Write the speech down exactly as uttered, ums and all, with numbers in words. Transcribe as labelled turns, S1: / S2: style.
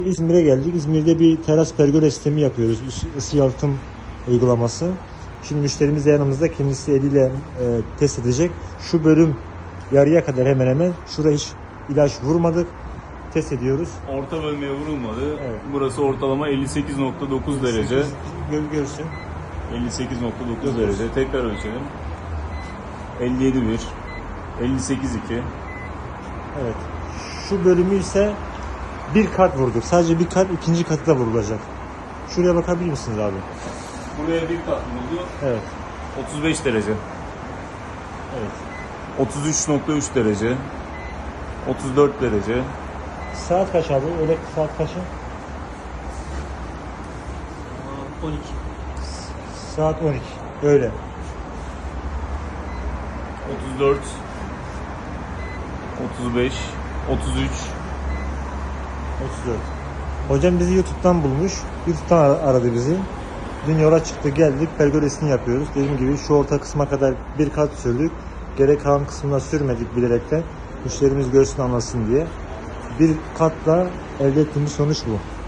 S1: İzmir'e geldik. İzmir'de bir teras pergola sistemi yapıyoruz. Isı yalıtım uygulaması. Şimdi müşterimiz de yanımızda, kendisi eliyle e, test edecek. Şu bölüm yarıya kadar hemen hemen. Şuraya hiç ilaç vurmadık. Test ediyoruz.
S2: Orta bölmeye vurulmadı.
S1: Evet.
S2: Burası ortalama elli sekiz nokta dokuz derece.
S1: Gör, görsün.
S2: elli sekiz nokta dokuz derece. Tekrar ölçelim. elli yedi virgül bir. elli sekiz virgül iki.
S1: Evet. Şu bölümü ise bir kat vurduk. Sadece bir kat, ikinci katı da vurulacak. Şuraya bakabilir misiniz abi?
S2: Buraya bir kat vuruldu.
S1: Evet.
S2: otuz beş derece.
S1: Evet.
S2: otuz üç nokta üç derece. otuz dört derece.
S1: Saat kaç abi? Öyle saat kaçı?
S3: on iki.
S1: Saat on iki. Öyle.
S2: otuz dört. otuz beş. otuz üç.
S1: otuz dört. Hocam bizi YouTube'dan bulmuş. YouTube'dan ar- aradı bizi. Dün yola çıktık, geldik. Pergolesini yapıyoruz. Dediğim gibi şu orta kısma kadar bir kat sürdük. Gerek kalan kısmına sürmedik bilerekten. Müşterimiz görsün, anlasın diye. Bir katla elde ettiğimiz sonuç bu.